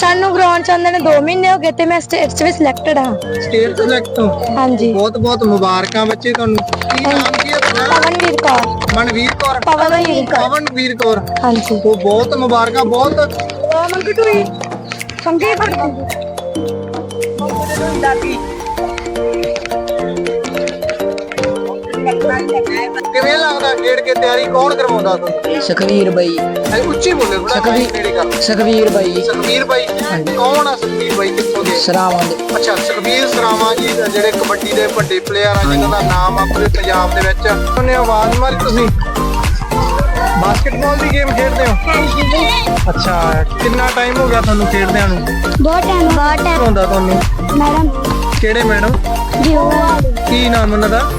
सानू ग्राउंड च आंदे ने 2 महीने हो गए ते मैं स्टेट च भी सिलेक्टेड हां। स्टेट सिलेक्ट हो? हां जी। बहुत बहुत मुबारकां बच्चे तुहानू। की नाम की है तुम्हारा? पवनवीर कौर। मनवीर कौर? पवनवीर कौर। हां जी। तो बहुत मुबारकां। बहुत मंगटूई संगे पड़ती किवें लगदा खेड के तैयारी कौन करवाउंदा तुहानू? सुखवीर भाई। उच्ची बोले थोड़ा, नेड़े कर। सुखवीर भाई। सुखवीर भाई कौन आ? सुखवीर भाई कित्थों दे? सरावां दे। अच्छा, सुखवीर सरावां जी ਜਿਹੜੇ ਕਬੱਡੀ ਦੇ ਵੱਡੇ ਪਲੇਅਰ ਆ ਜਿਨ੍ਹਾਂ ਦਾ ਨਾਮ ਆ ਪੂਰੇ ਪੰਜਾਬ ਦੇ ਵਿੱਚ। ਉਹਨੇ ਆਵਾਜ਼ ਮਾਰੀ ਤੁਸੀਂ ਬਾਸਕਟਬਾਲ ਦੀ ਗੇਮ ਖੇਡਦੇ ਹੋ? हां ਅੱਛਾ, ਕਿੰਨਾ ਟਾਈਮ ਹੋ ਗਿਆ ਤੁਹਾਨੂੰ ਖੇਡਦਿਆਂ ਨੂੰ? बहुत टाइम ਹੁੰਦਾ ਤੁਹਾਨੂੰ? मैडम ਕਿਹੜੇ ਮੈਡਮ? जी ਕੀ ਨਾਮ ਉਹਨਾਂ ਦਾ?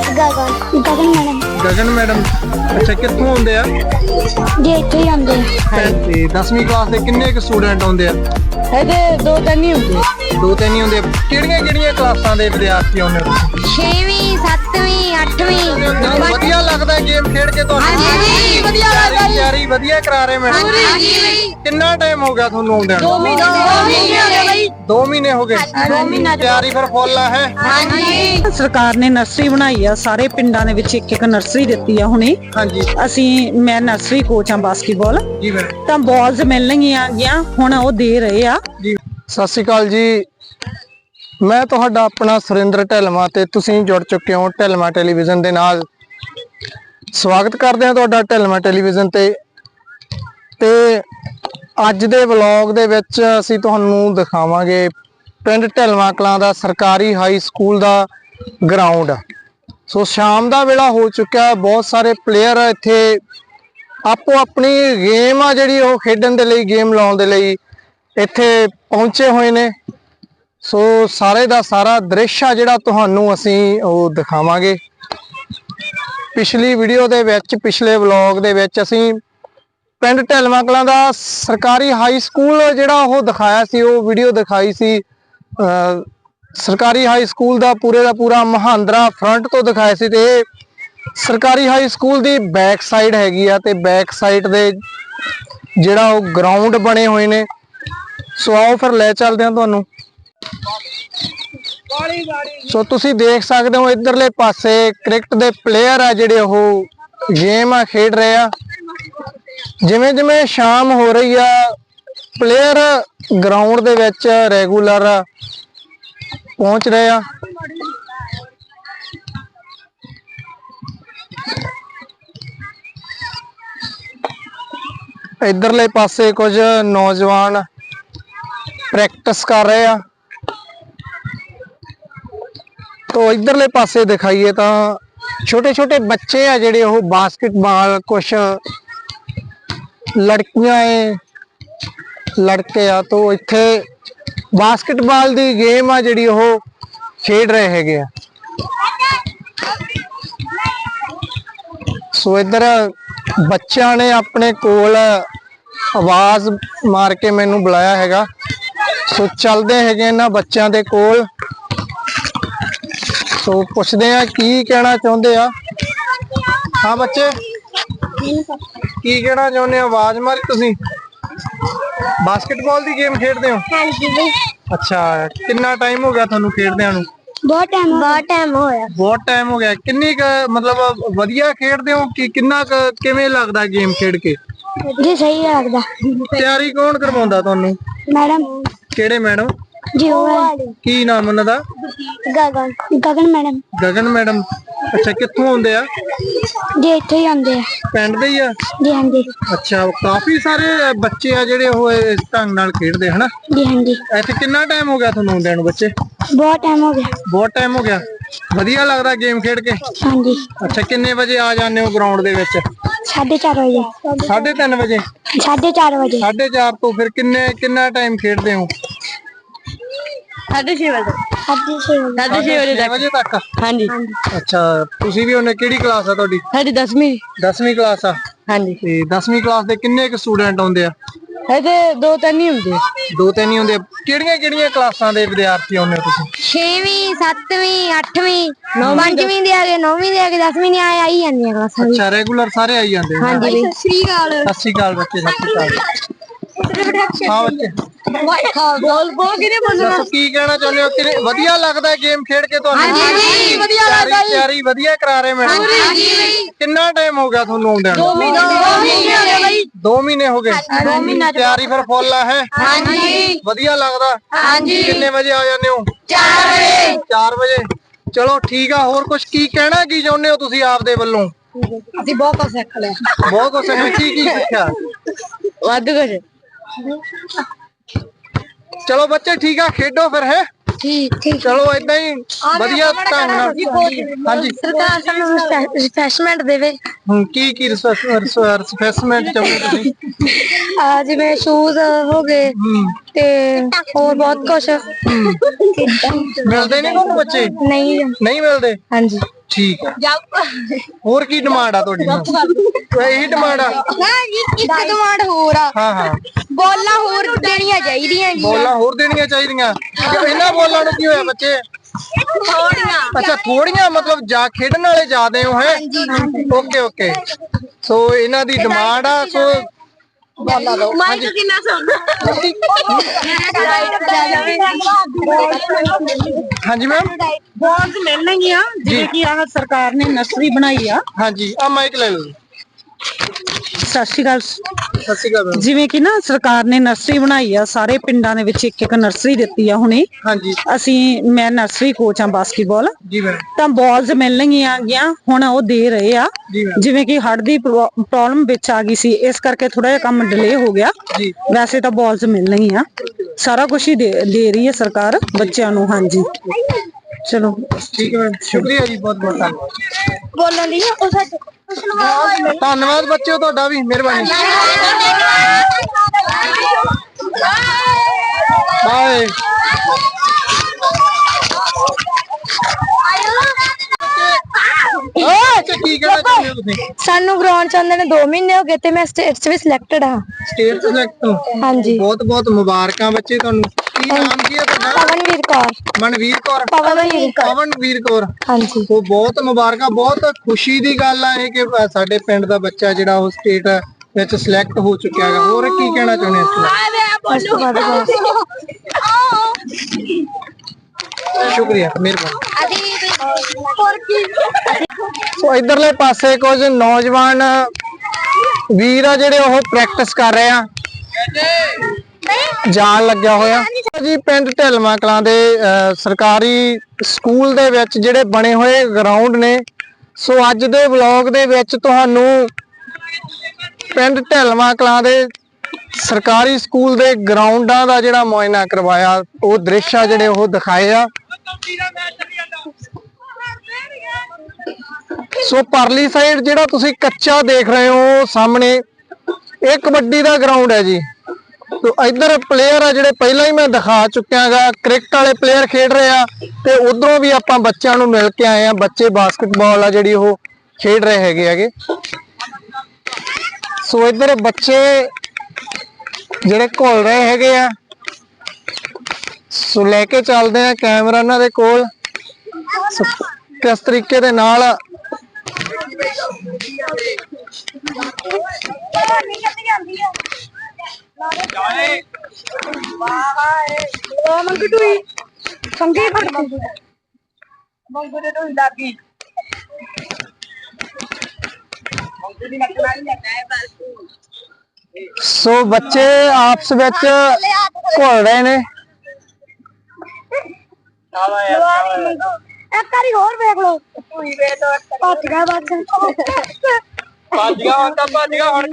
Gagan madam Gagan madam. ਅੱਛਾ, ਕਿੱਥੋਂ ਆਉਂਦੇ ਆ? जी इत्थे ही आंदे ਤੇ 10ਵੀਂ ਕਲਾਸ ਦੇ ਕਿੰਨੇ ਕੁ ਸਟੂਡੈਂਟ ਆਉਂਦੇ ਆ? ਇਹਦੇ 2-3 ਹੀ ਹੁੰਦੇ। ਦੋ ਤਿੰਨ ਹੀ ਹੁੰਦੇ ਆ। ਕਿਹੜੀਆਂ ਕਿਹੜੀਆਂ ਕਲਾਸਾਂ ਦੇ ਵਿਦਿਆਰਥੀ ਆਉਂਦੇ ਹੋ? 6ਵੀਂ 7ਵੀਂ 8ਵੀਂ ਵਧੀਆ ਲੱਗਦਾ ਗੇਮ ਖੇਡ ਕੇ ਤੁਹਾਨੂੰ? ਹਾਂਜੀ, ਵਧੀਆ ਲੱਗਦਾ ਜੀ। ਤਿਆਰੀ ਵਧੀਆ ਕਰਾ ਰਹੇ ਮੈਡਮ? ਹਾਂਜੀ। ਕਿੰਨਾ ਟਾਈਮ ਹੋ ਗਿਆ ਤੁਹਾਨੂੰ ਆਉਂਦਿਆਂ ਨੂੰ? 2 ਮਹੀਨੇ ਹੋ ਗਏ ਬਈ। 2 ਮਹੀਨੇ ਹੋ ਗਏ। 2 ਮਹੀਨਾ ਤਿਆਰੀ ਫਿਰ ਫੁੱਲ ਆ ਹੈ? ਹਾਂਜੀ। ਸਰਕਾਰ ਨੇ ਨਰਸਰੀ ਬਣਾਈ ਆ, ਸਾਰੇ ਪਿੰਡਾਂ ਦੇ ਵਿੱਚ ਇੱਕ ਇੱਕ ਨਰਸਰੀ ਦਿੱਤੀ ਆ ਹੁਣੇ। ਹਾਂਜੀ ਮੈਂ ਨਰਸਰੀ ਕੋਚ ਆ ਬਾਸਕਟਬਾਲ, ਜੀ ਮੈਡਮ। ਤਾਂ ਬਾਲਸ ਮਿਲਣਗੀਆਂ ਗੀਆਂ ਹੁਣ ਉਹ ਦੇ ਰਹੇ ਆ। ਜੀ ਸਤਿ ਸ਼੍ਰੀ ਅਕਾਲ ਜੀ, ਮੈਂ ਤੁਹਾਡਾ ਆਪਣਾ ਸੁਰਿੰਦਰ ਢਿਲਮਾ ਤੇ ਤੁਸੀਂ ਜੁੜ ਚੁੱਕੇ ਹੋ ਢਿਲਮਾ ਟੈਲੀਵਿਜ਼ਨ ਦੇ ਨਾਲ। ਸਵਾਗਤ ਕਰਦੇ ਹਾਂ ਤੁਹਾਡਾ ਢਿਲਮਾ ਟੈਲੀਵਿਜ਼ਨ ਤੇ ਅੱਜ ਦੇ ਵਲੌਗ ਦੇ ਵਿੱਚ ਅਸੀਂ ਤੁਹਾਨੂੰ ਦਿਖਾਵਾਂਗੇ ਪਿੰਡ ਢਿਲਮਾ ਕਲਾਂ ਦਾ ਸਰਕਾਰੀ ਹਾਈ ਸਕੂਲ ਦਾ ਗਰਾਊਂਡ। ਸੋ ਸ਼ਾਮ ਦਾ ਵੇਲਾ ਹੋ ਚੁੱਕਿਆ, ਬਹੁਤ ਸਾਰੇ ਪਲੇਅਰ ਇੱਥੇ ਆਪੋ ਆਪਣੀ ਗੇਮ ਆ ਜਿਹੜੀ ਉਹ ਖੇਡਣ ਦੇ ਲਈ, ਗੇਮ ਲਾਉਣ ਦੇ ਲਈ ਇੱਥੇ ਪਹੁੰਚੇ ਹੋਏ ਨੇ। ਸੋ ਸਾਰੇ ਦਾ ਸਾਰਾ ਦ੍ਰਿਸ਼ ਆ ਜਿਹੜਾ ਤੁਹਾਨੂੰ ਅਸੀਂ ਉਹ ਦਿਖਾਵਾਂਗੇ। ਪਿਛਲੀ ਵੀਡੀਓ ਦੇ ਵਿੱਚ, ਪਿਛਲੇ ਵਲੌਗ ਦੇ ਵਿੱਚ ਅਸੀਂ ਪਿੰਡ ਢਿਲਮਾ ਕਲਾਂ ਦਾ ਸਰਕਾਰੀ ਹਾਈ ਸਕੂਲ ਜਿਹੜਾ ਉਹ ਦਿਖਾਇਆ ਸੀ, ਉਹ ਵੀਡੀਓ ਦਿਖਾਈ ਸੀ। ਸਰਕਾਰੀ ਹਾਈ ਸਕੂਲ ਦਾ ਪੂਰਾ ਮਹਾਂਦਰਾ ਫਰੰਟ ਤੋਂ ਦਿਖਾਇਆ ਸੀ ਤੇ ਇਹ ਸਰਕਾਰੀ ਹਾਈ ਸਕੂਲ ਦੀ ਬੈਕ ਸਾਈਡ ਹੈਗੀ ਆ ਤੇ ਬੈਕ ਸਾਈਡ ਦੇ ਜਿਹੜਾ ਉਹ ਗਰਾਊਂਡ ਬਣੇ ਹੋਏ ਨੇ। ਸੋ ਆਓ ਫਿਰ ਲੈ ਚੱਲਦੇ ਹਾਂ ਤੁਹਾਨੂੰ। ਸੋ ਤੁਸੀਂ ਦੇਖ ਸਕਦੇ ਹੋ ਇਧਰਲੇ ਪਾਸੇ ਕ੍ਰਿਕਟ ਦੇ ਪਲੇਅਰ ਆ ਜਿਹੜੇ ਉਹ ਗੇਮ ਆ ਖੇਡ ਰਹੇ ਆ। ਜਿਵੇਂ ਜਿਵੇਂ ਸ਼ਾਮ ਹੋ ਰਹੀ ਆ ਪਲੇਅਰ ਗਰਾਊਂਡ ਦੇ ਵਿੱਚ ਰੈਗੂਲਰ ਪਹੁੰਚ ਰਹੇ ਆ। ਇਧਰਲੇ ਪਾਸੇ ਕੁਝ ਨੌਜਵਾਨ ਪ੍ਰੈਕਟਿਸ ਕਰ ਰਹੇ ਆ। तो इधरले पासे दिखाइए तो छोटे छोटे बच्चे आ जेडे वो बास्केटबॉल, कुछ लड़कियां है लड़के आ, तो इत्थे बास्केटबॉल दी गेम आ जेडी वो खेड रहे हैगे। सो इधर बच्चों ने अपने कोल आवाज मार के मैनू बुलाया हैगा। सो चलते हैं इन्हां बच्चों दे कोल। तो पुछदे आ की कहना चाहते आ। हाँ बच्चे की कहना चाहते हो? आवाज मारी तुसी बास्केटबॉल दी गेम खेडदे हो? अच्छा, कितना टाइम हो गया थानू खेडदियां नू? बहुत टाइम होया। बहुत टाइम हो गया। किन्नी मतलब वधिया खेडदे हो कि किन्ना किवें लगदा गेम खेड के? जी सही लगदा। तैयारी कौन करवाउंदा थानू? मैडम केड़े मैडम? जी की नाम उन्हां दा? गगन मैडम। गगन मैडम। अच्छा, कित्थों आउंदे आ? जी इत्थे ही आंदे आ। पिंड दे ही आ? जी हाँ जी। अच्छा, काफी सारे बच्चे आ जेडे ਉਹ ਇਸ ਢੰਗ ਨਾਲ ਖੇਡਦੇ ਹਨਾ? जी हाँ जी। ਇੱਥੇ ਕਿੰਨਾ ਟਾਈਮ ਹੋ ਗਿਆ ਤੁਹਾਨੂੰ ਆਉਂਦਿਆਂ ਨੂੰ ਬੱਚੇ? बहुत टाइम हो गया। ਬਹੁਤ ਟਾਈਮ ਹੋ ਗਿਆ। ਵਧੀਆ ਲੱਗਦਾ ਗੇਮ ਖੇਡ ਕੇ? हाँ जी। ਅੱਛਾ, ਕਿੰਨੇ ਵਜੇ ਆ ਜਾਂਦੇ ਹੋ ਗਰਾਊਂਡ ਦੇ ਵਿੱਚ? 4:30 बजे। 3:30 ਵਜੇ? 4:30 बजे। 4:30 ਤੋਂ ਫਿਰ ਕਿੰਨਾ ਟਾਈਮ ਖੇਡਦੇ ਹੋ? 6:30 बजे। 6 ਵਜੇ ਤੱਕ? हाँ जी। ਅੱਛਾ, ਤੁਸੀਂ ਵੀ ਉਹਨੇ ਕਿਹੜੀ ਕਲਾਸ ਆ ਤੁਹਾਡੀ? साड़ी 10वीं। 10ਵੀਂ ਕਲਾਸ ਆ? हाँ जी। ਤੇ 10ਵੀਂ ਕਲਾਸ ਦੇ ਕਿੰਨੇ ਕੁ ਸਟੂਡੈਂਟ ਆਉਂਦੇ ਆ? ਇਹਦੇ 2-3 ਹੀ ਹੁੰਦੇ। 2-3 ਹੀ ਹੁੰਦੇ ਆ। ਕਿਹੜੀਆਂ ਕਲਾਸਾਂ ਦੇ ਵਿਦਿਆਰਥੀ ਆਉਂਦੇ ਹੋ ਤੁਸੀਂ? 6ਵੀਂ 7ਵੀਂ 8ਵੀਂ 5ਵੀਂ ਦੇ ਆ ਗਏ 9ਵੀਂ ਦੇ ਆ ਗਏ 10ਵੀਂ ਨੇ ਆਈ ਜਾਂਦੀਆਂ ਕਲਾਸਾਂ। ਅੱਛਾ, ਰੈਗੂਲਰ ਸਾਰੇ ਆਈ ਜਾਂਦੇ? ਹਾਂਜੀ। ਸਤਿ ਸ੍ਰੀ ਅਕਾਲ। ਸਤਿ ਸ਼੍ਰੀ ਅਕਾਲ ਬੱਚੇ, ਸਤਿ ਸ਼੍ਰੀ ਅਕਾਲ। ਹਾਂ ਬੱਚੇ ਬੋਲ ਕਿਨੇ ਬੋਲਣਾ ਦੱਸੋ ਕੀ ਕਹਿਣਾ ਚਾਹੁੰਦੇ ਹੋ? ਕਿਵੇਂ ਵਧੀਆ ਲੱਗਦਾ ਗੇਮ ਖੇਡ ਕੇ ਤੁਹਾਨੂੰ? ਹਾਂਜੀ ਵਧੀਆ ਲੱਗਦਾ ਜੀ। ਤਿਆਰੀ ਵਧੀਆ ਕਰਾ ਰਹੇ ਮੈਡਮ? ਕਿੰਨਾ ਟਾਈਮ ਹੋ ਗਿਆ ਤੁਹਾਨੂੰ ਆਉਂਦਿਆਂ ਨੂੰ? 2 ਮਹੀਨੇ ਹੋ ਗਏ ਬਾਈ। 2 ਮਹੀਨੇ ਹੋ ਗਏ। ਤਿਆਰੀ ਫਿਰ ਫੁੱਲ ਆ ਹੈ? ਹਾਂਜੀ ਵਧੀਆ ਲੱਗਦਾ? ਹਾਂਜੀ। ਕਿੰਨੇ ਵਜੇ ਆ ਜਾਂਦੇ ਹੋ? 4 ਵਜੇ। 4 ਵਜੇ। ਚਲੋ ਠੀਕ ਆ। ਹੋਰ ਕੁਝ ਕੀ ਕਹਿਣਾ ਕੀ ਚਾਹੁੰਦੇ ਹੋ ਤੁਸੀਂ ਆਪਦੇ ਵੱਲੋਂ? ਅਸੀਂ ਬਹੁਤ ਕੁਝ ਸਿੱਖ ਲਿਆ। ਬਹੁਤ ਕੁਝ ਸਿੱਖਿਆ। ਕੀ ਸਿੱਖਿਆ? ਵੱਧ ਕੁਝ। ਚਲੋ ਬੱਚੇ ਠੀਕ ਆ, ਖੇਡੋ ਫਿਰ ਹੈ। ਠੀਕ ਚਲੋ ਏਦਾਂ ਹੀ ਵਧੀਆ ਢੰਗ ਨਾਲ। ਹਾਂਜੀ ਸਰਕਾਰ ਸਾਨੂੰ ਰਿਫਰੈਸ਼ਮੈਂਟ ਦੇਵੇ। ਕੀ ਰਿਫਰੈਸ਼ਮੈਂਟ ਚਾਹੁੰਦੇ ਤੁਸੀਂ? ਜਿਵੇਂ ਸ਼ੂਜ਼ ਹੋ ਗਏ ਤੇ ਹੋਰ ਬਹੁਤ ਕੁਝ। ਮਿਲਦੇ ਨਹੀਂ ਤੁਹਾਨੂੰ ਬੱਚੇ? ਨਹੀਂ ਨਹੀਂ ਮਿਲਦੇ? ਹਾਂਜੀ ਠੀਕ ਆ। ਹੋਰ ਕੀ ਡਿਮਾਂਡ ਆ ਤੁਹਾਡੀ? ਇਹੀ ਡਿਮਾਂਡ ਆ? ਇੱਕ ਡਿਮਾਂਡ ਹੋਰ ਆ। ਹਾਂ ਬੋਲਾਂ ਹੋਰ ਦੇਣੀਆਂ ਚਾਹੀਦੀਆਂ ਜੀ। ਬੋਲਾਂ ਹੋਰ ਦੇਣੀਆਂ ਚਾਹੀਦੀਆਂ। ਇਹਨਾਂ ਬੋਲਾਂ ਨੂੰ ਕੀ ਹੋਇਆ ਬੱਚੇ? ਥੋੜੀਆਂ। ਅੱਛਾ ਥੋੜੀਆਂ, ਮਤਲਬ ਜਾ ਖੇਡਣ ਵਾਲੇ ਜ਼ਿਆਦੇ ਹੋ ਹੈ? Okay okay. ਸੋ ਇਹਨਾਂ ਦੀ ਡਿਮਾਂਡ ਆ। ਸੋ ਮਾਈਕ ਕਿੰਨਾ ਸੋਹਣਾ। ਹਾਂਜੀ ਮੈਮ। ਬਾਲਸ ਮਿਲਣਗੀਆਂ ਜਿਵੇਂ ਕਿ ਆਹ ਸਰਕਾਰ ਨੇ ਨਰਸਰੀ ਬਣਾਈ ਆ। ਹਾਂਜੀ ਆ ਮਾਈਕ ਲੈ ਲਓ। ਸਤਿ ਸ਼੍ਰੀ ਅਕਾਲ। ਸਤਿ ਸ਼੍ਰੀ ਅਕਾਲ ਮੈਮ। ਜਿਵੇਂ ਕਿ ਨਾ ਸਰਕਾਰ ਨੇ ਨਰਸਰੀ ਬਣਾਈ ਆ, ਸਾਰੇ ਪਿੰਡਾਂ ਦੇ ਵਿੱਚ ਇੱਕ ਨਰਸਰੀ ਦਿੱਤੀ ਆ ਹੁਣੇ। ਹਾਂਜੀ ਮੈਂ ਨਰਸਰੀ ਕੋਚ ਆ ਬਾਸਕਟਬਾਲ। ਜੀ ਮੈਮ। ਤਾਂ ਬਾਲਸ ਮਿਲਣਗੀਆਂ ਗੀਆਂ ਹੁਣ ਉਹ ਦੇ ਰਹੇ ਆ। ਜੀ ਮੈਮ। ਜਿਵੇਂ ਕਿ ਹੜ੍ਹ ਦੀ ਪ੍ਰੋਬਲਮ ਵਿੱਚ ਆ ਗਈ ਸੀ, ਇਸ ਕਰਕੇ ਥੋੜਾ ਜਿਹਾ ਕੰਮ ਡਿਲੇ ਹੋ ਗਿਆ। ਜੀ ਵੈਸੇ ਤਾਂ ਬਾਲਸ ਮਿਲਣਗੀਆਂ। ਸਾਰਾ ਕੁਝ ਹੀ ਦੇ ਰਹੀ ਹੈ ਸਰਕਾਰ ਬੱਚਿਆਂ ਨੂੰ। ਹਾਂਜੀ ਚਲੋ ਠੀਕ ਹੈ ਮੈਮ। ਸ਼ੁਕਰੀਆ ਜੀ, ਬਹੁਤ ਬਹੁਤ ਧੰਨਵਾਦ। ਬੋਲਣ ਦੀ ਧੰਨਵਾਦ ਬੱਚਿਓ ਤੁਹਾਡਾ ਵੀ, ਮਿਹਰਬਾਨੀ। ਬਾਏ। ਕੀ ਕਹਿਣਾ ਚਾਹੁੰਦੇ ਹੋ ਤੁਸੀਂ? ਸਾਨੂੰ ਗਰਾਊਂਡ ਚ ਆਉਂਦੇ ਨੇ 2 ਮਹੀਨੇ ਹੋ ਗਏ ਤੇ ਮੈਂ ਸਟੇਟ ਚ ਵੀ ਸਿਲੈਕਟਡ ਹਾਂ। ਸਟੇਟ ਸਿਲੈਕਟ ਹੋ? ਹਾਂਜੀ। ਬਹੁਤ ਬਹੁਤ ਮੁਬਾਰਕਾਂ ਬੱਚੇ ਤੁਹਾਨੂੰ। ਕੀ ਨਾਮ ਕੀ ਹੈ ਤੁਹਾਡਾ? ਪਵਨਵੀਰ ਕੌਰ। ਮਨਵੀਰ ਕੌਰ? ਪਵਨਵੀਰ ਕੌਰ। ਹਾਂਜੀ। ਉਹ ਬਹੁਤ ਮੁਬਾਰਕਾਂ। ਬਹੁਤ ਖੁਸ਼ੀ ਦੀ ਗੱਲ ਆ ਇਹ ਕਿ ਸਾਡੇ ਪਿੰਡ ਦਾ ਬੱਚਾ ਜਿਹੜਾ ਉਹ ਸਟੇਟ ਵਿੱਚ ਸਿਲੈਕਟ ਹੋ ਚੁੱਕਿਆ ਹੈ। ਹੋਰ ਕੀ ਕਹਿਣਾ ਚਾਹੁੰਦੇ ਹੋ? ਸ਼ੁਕਰੀਆ, ਮਿਹਰਬਾਨੀ। ਸੋ ਇਧਰਲੇ ਪਾਸੇ ਕੁਝ ਨੌਜਵਾਨ ਵੀਰ ਆ ਜਿਹੜੇ ਉਹ ਪ੍ਰੈਕਟਿਸ ਕਰ ਰਹੇ ਆ, ਜਾਣ ਲੱਗਿਆ ਹੋਇਆ ਜੀ। ਪਿੰਡ ਢਿਲਮਾ ਕਲਾਂ ਦੇ ਸਰਕਾਰੀ ਸਕੂਲ ਦੇ ਵਿੱਚ ਜਿਹੜੇ ਬਣੇ ਹੋਏ ਗਰਾਊਂਡ ਨੇ। ਸੋ ਅੱਜ ਦੇ ਵਲੌਗ ਦੇ ਵਿੱਚ ਤੁਹਾਨੂੰ ਪਿੰਡ ਢਿਲਮਾ ਕਲਾਂ ਦੇ ਸਰਕਾਰੀ ਸਕੂਲ ਦੇ ਗਰਾਊਂਡਾਂ ਦਾ ਜਿਹੜਾ ਮੁਆਇਨਾ ਕਰਵਾਇਆ, ਉਹ ਦ੍ਰਿਸ਼ ਆ ਜਿਹੜੇ ਉਹ ਦਿਖਾਏ ਆ। ਸੋ ਪਰਲੀ ਸਾਈਡ ਜਿਹੜਾ ਤੁਸੀਂ ਕੱਚਾ ਦੇਖ ਰਹੇ ਹੋ ਸਾਹਮਣੇ, ਇਹ ਕਬੱਡੀ ਦਾ ਗਰਾਊਂਡ ਹੈ ਜੀ। ਤੋ ਇੱਧਰ ਪਲੇਅਰ ਆ ਜਿਹੜੇ ਪਹਿਲਾਂ ਹੀ ਮੈਂ ਦਿਖਾ ਚੁੱਕਿਆ ਗਾ। ਕ੍ਰਿਕਟ ਵਾਲੇ ਪਲੇਅਰ ਖੇਡ ਰਹੇ ਆ ਤੇ ਉਧਰੋਂ ਵੀ ਆਪਾਂ ਬੱਚਿਆਂ ਨੂੰ ਮਿਲ ਕੇ ਆਏ ਆ। ਬੱਚੇ ਬਾਸਕਟਬਾਲ ਆ ਜਿਹੜੀ ਉਹ ਖੇਡ ਰਹੇ ਹੈਗੇ। ਸੋ ਇੱਧਰ ਬੱਚੇ ਜਿਹੜੇ ਘੁਲ ਰਹੇ ਹੈਗੇ ਆ। ਸੋ ਲੈ ਕੇ ਚੱਲਦੇ ਆ ਕੈਮਰਾ ਇਹਨਾਂ ਦੇ ਕੋਲ। ਕਿਸ ਤਰੀਕੇ ਦੇ ਨਾਲ ਸੋ ਬੱਚੇ ਆਪਸ ਵਿੱਚ ਘੁਲ ਰਹੇ ਨੇ। ਇੱਕ ਵਾਰੀ ਹੋਰ ਵੇਖ ਲੋ। ਭੱਜ ਗਿਆ ਹੁਣ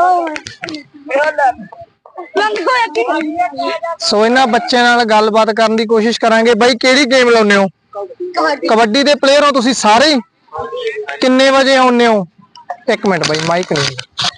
ਸੋ ਇਹਨਾਂ ਬੱਚਿਆਂ ਨਾਲ ਗੱਲਬਾਤ ਕਰਨ ਦੀ ਕੋਸ਼ਿਸ਼ ਕਰਾਂਗੇ। ਬਾਈ ਕਿਹੜੀ ਗੇਮ ਲਾਉਂਦੇ ਹੋ? ਕਬੱਡੀ ਦੇ ਪਲੇਅਰ ਹੋ ਤੁਸੀਂ ਸਾਰੇ? ਕਿੰਨੇ ਵਜੇ ਆਉਂਦੇ ਹੋ? ਇੱਕ ਮਿੰਟ ਬਾਈ, ਮਾਈਕ ਨਹੀਂ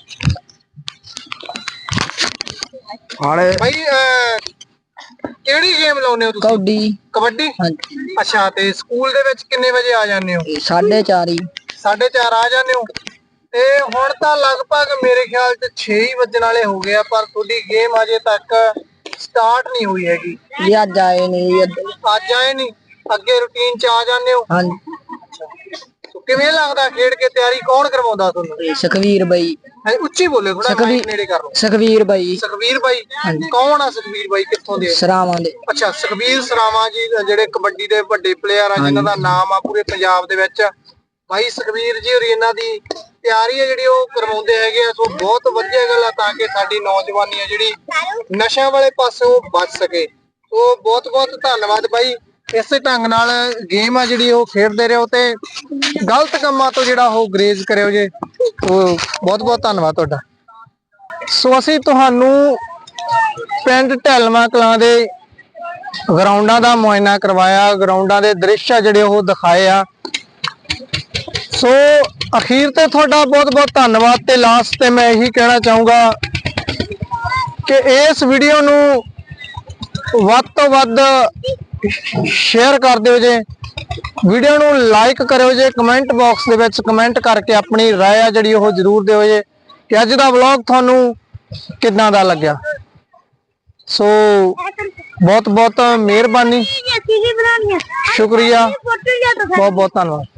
ਬਾਈ। ਕਿਹੜੀ ਗੇਮ ਲਾਉਂਦੇ ਹੋ ਤੁਸੀਂ? ਕਬੱਡੀ। ਅੱਛਾ, ਤੇ ਸਕੂਲ ਦੇ ਵਿੱਚ ਕਿੰਨੇ ਵਜੇ ਆ ਜਾਂਦੇ ਹੋ? 4:30 4:30 ਆ ਜਾਂਦੇ ਹੋ। ਤੇ ਹੁਣ ਤਾਂ ਲਗਭਗ ਮੇਰੇ ਖਿਆਲ ਚ 6 ਹੀ ਵੱਜਣ ਵਾਲੇ ਹੋ ਗਏ ਆ, ਪਰ ਤੁਹਾਡੀ ਗੇਮ ਅਜੇ ਤੱਕ ਸਟਾਰਟ ਨਹੀਂ ਹੋਈ ਹੈਗੀ। ਜੀ ਅੱਜ ਆਏ ਨਹੀਂ। ਅੱਜ ਆਏ ਨਹੀਂ? ਅੱਗੇ ਰੂਟੀਨ ਚ ਆ ਜਾਂਦੇ ਹੋ? ਹਾਂਜੀ। ਕਿਵੇਂ ਲੱਗਦਾ ਖੇਡ ਕੇ? ਤਿਆਰੀ ਕੌਣ ਕਰਵਾਉਂਦਾ ਤੁਹਾਨੂੰ? ਸੁਖਵੀਰ ਬਾਈ। ਹੈ ਉੱਚੀ ਬੋਲੇ, ਥੋੜਾ ਮਾਈਕ ਨੇੜੇ ਕਰ ਲਓ। ਸੁਖਵੀਰ ਬਾਈ ਸੁਖਵੀਰ ਬਾਈ ਕੌਣ ਆ? ਸੁਖਵੀਰ ਬਾਈ ਕਿੱਥੋਂ ਦੇ? ਸਰਾਵਾਂ ਦੇ। ਅੱਛਾ, ਸੁਖਵੀਰ ਸਰਾਵਾਂ ਜੀ ਜਿਹੜੇ ਕਬੱਡੀ ਦੇ ਵੱਡੇ ਪਲੇਅਰ ਆ, ਜਿਨ੍ਹਾਂ ਦਾ ਨਾਮ ਆ ਪੂਰੇ ਪੰਜਾਬ ਦੇ ਵਿੱਚ। ਬਾਈ ਸੁਖਵੀਰ ਜੀ ਹੋਰੀ ਇਹਨਾਂ ਦੀ ਤਿਆਰੀ ਹੈ ਜਿਹੜੀ ਉਹ ਕਰਵਾਉਂਦੇ ਹੈਗੇ ਆ, ਸੋ ਬਹੁਤ ਵਧੀਆ ਗੱਲ ਆ ਤਾਂ ਕਿ ਸਾਡੀ ਨੌਜਵਾਨੀ ਆ ਜਿਹੜੀ ਨਸ਼ਿਆਂ ਵਾਲੇ ਪਾਸੋਂ ਬਚ ਸਕੇ। ਸੋ ਬਹੁਤ ਬਹੁਤ ਧੰਨਵਾਦ ਬਾਈ। ਇਸੇ ਢੰਗ ਨਾਲ ਗੇਮ ਆ ਜਿਹੜੀ ਉਹ ਖੇਡਦੇ ਰਹੋ ਤੇ ਗਲਤ ਕੰਮਾਂ ਤੋਂ ਜਿਹੜਾ ਉਹ ਗਰੇਜ਼ ਕਰਿਓ ਜੇ। ਉਹ ਬਹੁਤ ਬਹੁਤ ਧੰਨਵਾਦ ਤੁਹਾਡਾ। ਸੋ ਅਸੀਂ ਤੁਹਾਨੂੰ ਪਿੰਡ ਢੈਲਮਾ ਕਲਾਂ ਦੇ ਗਰਾਊਂਡਾਂ ਦਾ ਮੁਆਇਨਾ ਕਰਵਾਇਆ, ਗਰਾਊਂਡਾਂ ਦੇ ਦ੍ਰਿਸ਼ ਆ ਜਿਹੜੇ ਉਹ ਦਿਖਾਏ ਆ। ਸੋ ਅਖੀਰ ਤੇ ਤੁਹਾਡਾ ਬਹੁਤ ਬਹੁਤ ਧੰਨਵਾਦ। ਤੇ ਲਾਸਟ ਤੇ ਮੈਂ ਇਹੀ ਕਹਿਣਾ ਚਾਹੂੰਗਾ ਕਿ ਇਸ ਵੀਡੀਓ ਨੂੰ ਵੱਧ ਤੋਂ ਵੱਧ ਸ਼ੇਅਰ ਕਰ ਦਿਓ ਜੇ, ਵੀਡੀਓ ਨੂੰ ਲਾਈਕ ਕਰਿਓ ਜੇ, ਕਮੈਂਟ ਬਾਕਸ ਦੇ ਵਿੱਚ ਕਮੈਂਟ ਕਰਕੇ ਆਪਣੀ ਰਾਏ ਆ ਜਿਹੜੀ ਉਹ ਜ਼ਰੂਰ ਦਿਓ ਜੇ ਕਿ ਅੱਜ ਦਾ ਵਲੌਗ ਤੁਹਾਨੂੰ ਕਿੱਦਾਂ ਦਾ ਲੱਗਿਆ। ਸੋ ਬਹੁਤ ਬਹੁਤ ਮਿਹਰਬਾਨੀ, ਸ਼ੁਕਰੀਆ, ਬਹੁਤ ਬਹੁਤ ਧੰਨਵਾਦ।